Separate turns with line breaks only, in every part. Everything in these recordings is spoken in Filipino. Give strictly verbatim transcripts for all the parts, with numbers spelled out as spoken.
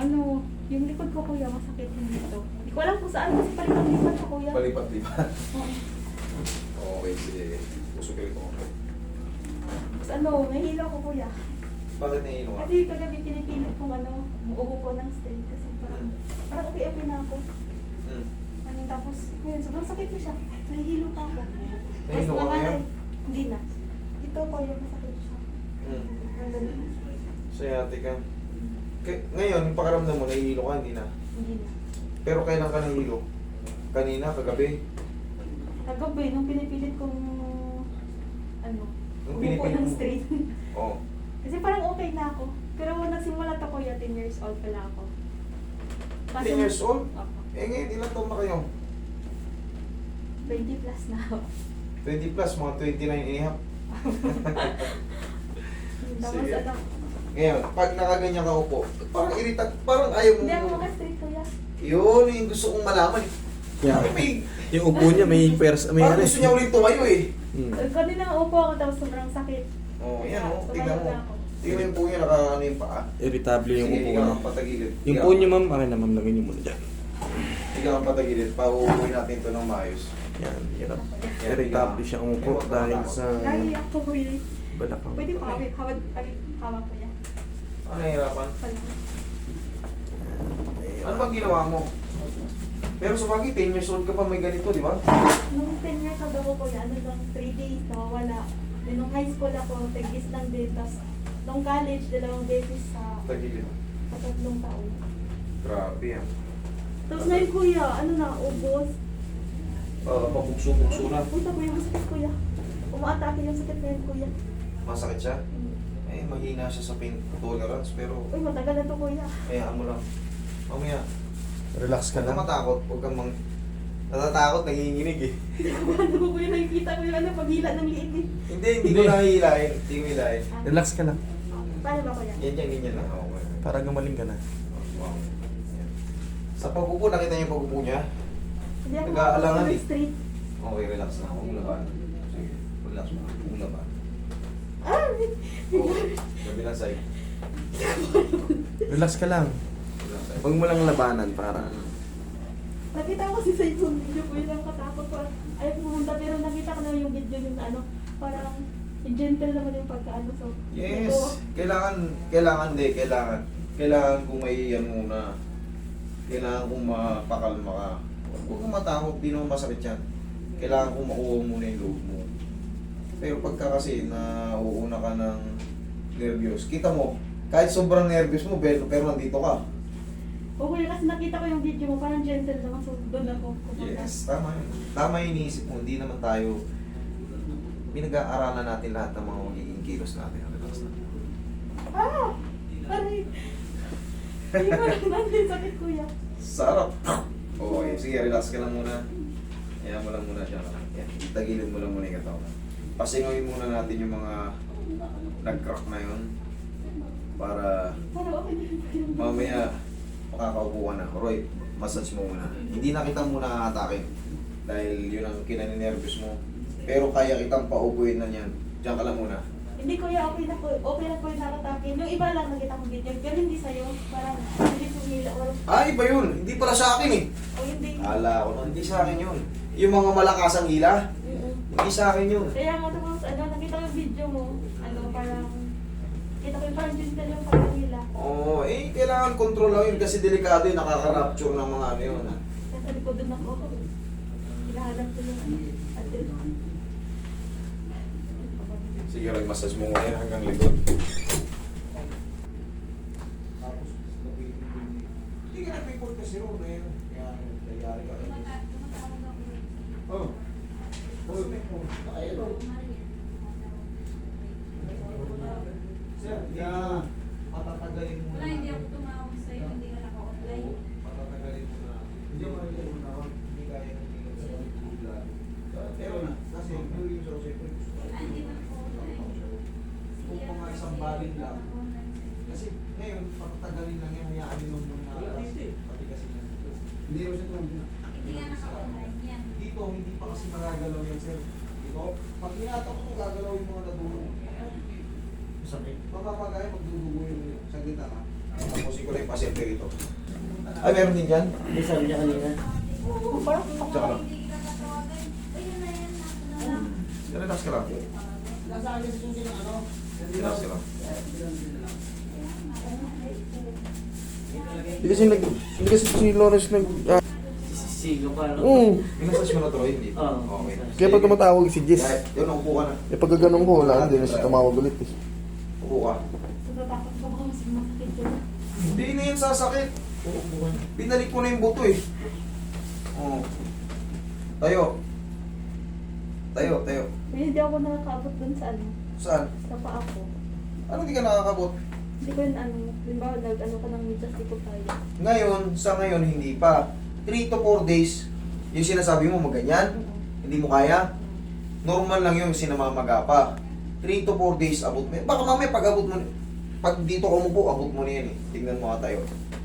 ano, yung likod ko kuya, masakit yung dito. Hindi ko alam kung saan kasi palipat-lipat ko kuya.
Palipat-lipat.
Oo.
Okay, sige. Pusukin ko.
Tapos ano, nahihilo ko kuya.
Bakit nahihilo ka?
Kasi kagabi pinipilit kong ano, umuubo ko ng straight kasi parang, parang okay-okay na ako.
Hmm.
Ano, tapos, ngayon, sobrang sakit ko siya. Nahihilo pa ako.
Nahihilo ka ngayon?
Hindi na. Ito po yung masakit siya.
Hmm.
Ang ganun.
Sciatic ka. K- ngayon, yung pakaramdam mo, nahihilo ka, hindi na.
Hindi na.
Pero kailan ka nahihilo? Kanina, kagabi?
Kagabi, nung pinipilit kong, ano,
Nung
umupo
pinipilit
ng
mo?
straight.
Oo.
Kasi parang okay na ako. Pero nagsimula to kuya, ten years old pala ako.
ten years old?
Opo.
Eh ngayon, ilang taon na kayo?
twenty plus na ako.
twenty plus, mga twenty-nine and a half.
Tapos
Sige.
ano,
Ngayon, pag nakaganyan ka upo, parang irita, parang ayaw mo.
hindi ako maka-straight kuya.
Yun, yung gusto kong malaman.
Yeah.
Ay, may,
Yung upo niya may pers may
parang
ano.
gusto niya ulit tumayo eh.
Hmm.
Kanina upo ako tapos sobrang sakit.
Oh, yan oh,
Tumayo
tignan mo.
na ako.
Tignan mo yung po niya, naka ano yung paa.
Irritable yung
Sige,
upo
ikaw
niya.
ang patagilid.
Yung
Ikaw.
po niya ma'am, akin na ma'am, lagyan niyo muna dyan.
Ikaw ang patagilid, pauuwi natin ito ng maayos.
Yan, hirap.
Yan,
Irritable
ikaw.
siya umupo
Huwag ka
dahil
matakot.
sa
Naiiyak ko kuya.
balakang.
Pwede pa kami, hawag, hawag, hawag ko yan.
Ano nahihirapan?
Pala.
Ano bang ginawa mo? Pero sa bagay, ten years old ka pa may ganito, di ba?
Nung ten years old ako kuya, ano lang, three days, nawawala. Then nung high school ako, tagis lang din. Tapos nung college, dalawang beses sa,
Tagilid.
sa tatlong taon.
Grabe yan.
Tapos ngayon kuya, ano na, ubos.
Uh, Pabukso-bukso na.
Punta kuya, masakit kuya. Umaatake yung sakit ngayon kuya.
Masakit siya?
Mm.
Eh, mahina siya sa pain tolerance, pero
Uy, matagal na to kuya.
hayaan mo lang. Mamaya,
Relax ka
huwag kang
lang.
matakot, huwag kang mang... Natatakot, nanginginig eh.
Ano ko kuya, nakikita ko yung ano, paghila ng liit eh.
Hindi, hindi ko
Hindi.
nahihilain. Hindi ko hilahin.
Ah,
Relax ka lang.
paano ba kuya?
Yan yan, ganyan lang. Okay.
Para gumaling ka na.
Wow. Yan. Sa pag-upo, nakita niyo yung pag-upo niya?
Hindi ako
Nag-aalangan
makakapag
eh.
straight.
Okay, relax na. Huwag mo laban. Sige, relax mo. Huwag mo laban.
Ah!
Okay, kabilang side.
Relax ka lang.
Kabilang side.
Huwag mo lang labanan para.
Nakita ko kasi sa yung video ko yun ang katakot ko. Ayaw pumunta pero nakita ko na yung video yung ano, parang gentle naman yung pagkaano. So,
Yes.
ito,
Kailangan, kailangan de, kailangan. Kailangan kung may yan muna. Kailangan kung mapakalma ka. Huwag kang matakot, di naman masakit yan. Kailangan kung makuha muna yung loob mo. Pero pagka kasi na uuna ka ng nervyos, kita mo, kahit sobrang nervyos mo, pero, pero nandito ka.
okay kasi nakita ko yung video mo, parang gentle naman. So, doon ako kumunta.
Yes, tama yun. Tama yung iniisip mo. Hindi naman tayo, pinag-aaralan natin lahat ng mga magiging kilos natin. Relax na.
Ah! Aray! Hindi ko lang natin sakit kuya.
Sarap. Okay, sige, relax ka lang muna. Ayan mo lang muna siya. Yan, tagilid mo lang muna yung katawan. Pasingoyin muna natin yung mga nag-crack na yun. Para
Parang okay na yung
mamaya makakaupo ka na. Roy, massage mo muna. Hindi na kita muna atake. Dahil yun ang kinaninervous mo. Pero kaya kitang paupuin na yan. Diyan ka lang muna.
Hindi kuya, okay na po. Okay na po yung nakatakin. Yung iba lang nakita kong video. Pero hindi sa'yo. Parang hindi sumila. Or,
Ah, iba yun. Hindi pala sa akin eh.
o hindi.
Ala ko, hindi sa akin yun. Yung mga malakas ang hila,
Mm-mm.
hindi sa akin yun.
Kaya nga tapos ano, nakita ko yung video mo. Ano, parang kita ko yung parang gentle yung parang hila.
Oo, eh, kailangan control lang yun kasi delikado yun, nakaka-rapture ng mga ano yun.
Nasa likod doon ako. Hinahanap ko yung atin.
Sige, mag-massage mo ngayon hanggang likod. Hindi ka nag-report kasi ro, na yun. Kaya, nangyari ka. Oh. Oh, ayun o. Sir, yeah. Patatagalin mo
Wala, hindi ako tumawag sa'yo, hindi ka naka-online.
Patatagalin mo na. Hindi mo na yun na. Hindi kaya ng tingin sa bigla. Pero na, kasi yung yung sa siyempre gusto ko.
Ah, hindi na ako-online.
Kung mga isang baling lang. Kasi ngayon, patatagalin lang yan, hayaan nyo muna. Pati kasi yan. Hindi mo siya tumulong.
Hindi ka naka-online yan.
Dito, hindi pa kasi magagalaw yan, sir. Dito, pag hinatak ko, gagalaw yung mga nadulong.
Sakit.
Mamamagaya, magdudugo yung saglit ha. Tapusin ko na yung pasyente rito. Ay, meron din dyan?
Hindi sabi niya kanina.
Oo, parang
Tsaka lang.
Hindi kita tatawagan. Ayun na yan, ako na lang.
Relax ka lang. Relax ka lang.
Hindi kasi nag... Hindi kasi si Lawrence nag... Ah,
Sisigaw pa, no?
Oo.
Minasas mo na to, hindi?
Oo.
Okay.
Kaya pag tumatawag si Jess,
Kahit, yun, upo ka na.
eh pag ganun ko, wala na, hindi na siya tumawag ulit eh.
Upo ka.
natatakot ko baka mas masakit yun.
Hindi na yan sasakit. Binalik ko na yung buto eh. Oo. Tayo. Tayo, tayo.
Kaya hindi ako nakakaabot dun sa ano,
Saan?
sa paa ko.
Ano di ka nakakabot?
Hindi ko yun ano, limbawa nag ano ka ng medyas, di ko kaya.
Ngayon, sa ngayon, hindi pa. three to four days, yung sinasabi mo, maganyan,
Oo.
hindi mo kaya. Normal lang yung sinamamaga pa. three to four days, abot mo. Baka mamaya pag abot mo, pag dito ka umupo, abot mo na yan eh. Tingnan mo ka tayo.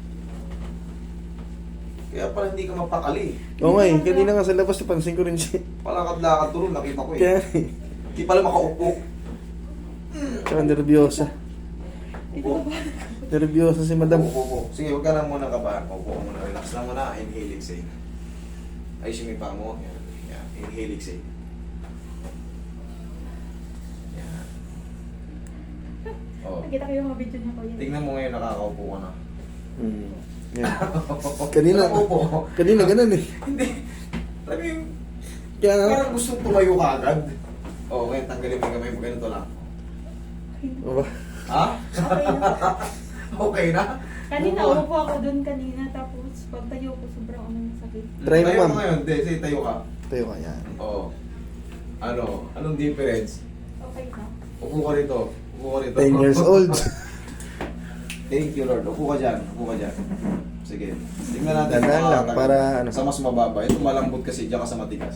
Kaya pala hindi ka mapakali.
Oo nga eh, kanina nga sa labas, napansin ko rin siya.
Palakad-lakad doon, nakita ko eh.
Kaya,
Hindi pala makaupo.
tsaka nervyosa.
Ito ba?
Nervyosa si madam.
Upo, upo. Sige, huwag ka lang muna kabahan. Upo ka muna. Relax lang muna. Inhale, exhale. Ayusin mo yung paa mo. Yan. Yan. Inhale, exhale. Yan. Oh.
Nakita ko yung mga video niya ko yun.
Tingnan mo ngayon, nakakaupo ka na.
Hmm. Yan. Kanina,
Nakaupo.
kanina ganun eh.
Hindi. Alam mo yung,
Kaya nga,
parang gusto tumayo ka agad. Oo, ngayon tanggalin mo yung kamay mo. Ganito lang.
aba,
Ha?
Okay na.
Okay na?
Kanina,
Upo.
umupo ako dun kanina, tapos pag tayo ko, sobrang ano yung sakit.
Try mo,
Tayo
ma'am.
ka ngayon. Hindi, sige, tayo ka.
tayo ka yan.
Oo. Ano? Anong difference?
Okay na.
Upo ka rito. Upo ka rito.
ten years old.
Thank you, Lord. Upo ka dyan. Upo ka dyan. Sige. Tingnan natin.
Dandan
kung
lang,
makakatagal.
para ano.
Sa mas mababa. Ito malambot kasi dyan ka sa matigas.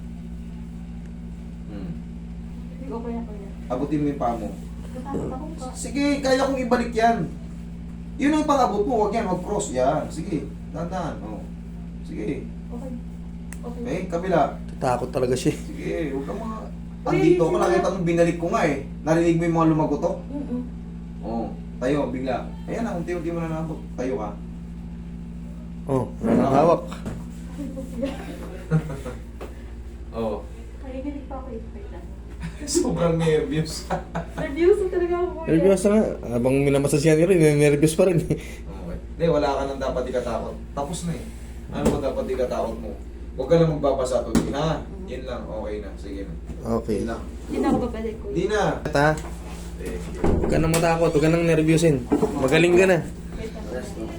Hmm.
Hindi ko kaya kaya.
Abutin mo yung paa mo.
Natakot ako pa.
Sige, kaya kong ibalik yan. Yun ang pang-abot mo. Huwag yan. Huwag cross. Yan. Sige. Dandan. Oh. Sige.
Okay. Okay.
Okay, kabila.
Takot talaga siya.
Sige. Huwag kang mga...
Uy,
Andito ko,
sila-
nakita mo binalik ko nga eh. Narinig mo yung mga lumagotok?
Mm-mm.
Oo. Tayo, bigla. Ayan na, unti-unti mo na nabot. Tayo ka.
Oh, nakahawak.
Ay, ko siya.
Oo.
Kaya ginig pa ako ipay na.
Sobrang nervous.
Nervyoso talaga ako. kuya.
Nervyosa nga. Habang minamasasyan ka rin, nervous pa rin eh.
Okay. Hindi, wala ka nang dapat ikatakot. Tapos na eh. Ano ba dapat ikatakot mo? Huwag ka lang magbabasa to. Ha? Yan lang. Okay na. Sige na.
Okay.
Yan lang.
Hindi na ako babalik ko.
Hindi na.
Ta,
Thank you.
huwag ka nang matakot, huwag ka nang nervyusin. Magaling ka na.
Wait lang.
Rest, no?